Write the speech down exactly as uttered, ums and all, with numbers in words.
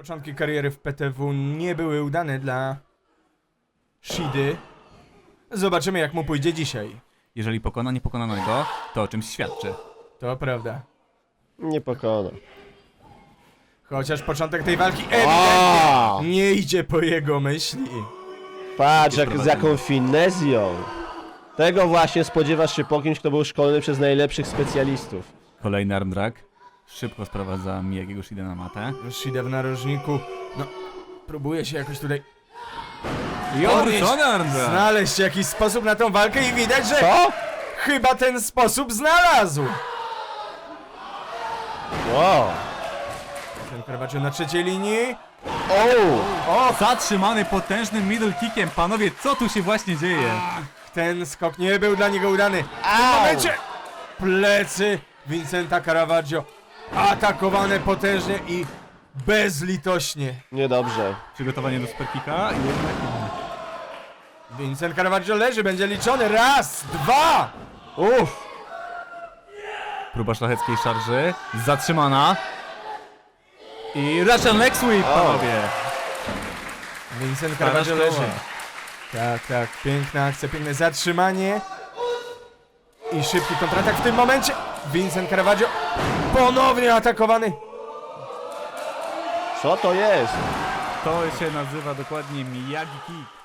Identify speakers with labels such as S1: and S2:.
S1: Początki kariery w P T W nie były udane dla Shidy. Zobaczymy, jak mu pójdzie dzisiaj.
S2: Jeżeli pokona niepokonanego, to o czymś świadczy.
S1: To prawda.
S3: Nie pokona.
S1: Chociaż początek tej walki ewidentnie
S3: O!
S1: nie idzie po jego myśli.
S3: Patrz, jak, z jaką finezją. Tego właśnie spodziewasz się po kimś, kto był szkolony przez najlepszych specjalistów.
S2: Kolejny arm drag. Szybko sprowadza Miyagiego Shidę na matę.
S1: Shida w narożniku, no, próbuje się jakoś tutaj
S2: I odwrócony arm drag.
S1: znaleźć jakiś sposób na tą walkę i widać, że
S3: Co?
S1: chyba ten sposób znalazł.
S3: Wow.
S1: Ten Caravaggio na trzeciej linii.
S3: O!
S1: O,
S2: Zatrzymany potężnym middle kickiem. Panowie, co tu się właśnie dzieje?
S1: ten skok nie był dla niego udany. W tym
S3: Au!
S1: momencie plecy Vincenta Caravaggio atakowane potężnie i bezlitośnie.
S3: Niedobrze.
S2: Przygotowanie do superkicka i jednak nie.
S1: Vincent Caravaggio leży, będzie liczony. Raz, dwa.
S3: Uff.
S2: Próba szlacheckiej szarży. Zatrzymana. I Russian leg sweep, panowie.
S1: Vincent
S2: Stara
S1: Caravaggio
S2: szkoła.
S1: leży. Tak, tak, piękna akcja, piękne zatrzymanie. I szybki kontratak w tym momencie. Vincent Caravaggio ponownie atakowany.
S3: Co to jest?
S2: To się nazywa dokładnie Miyagi kick.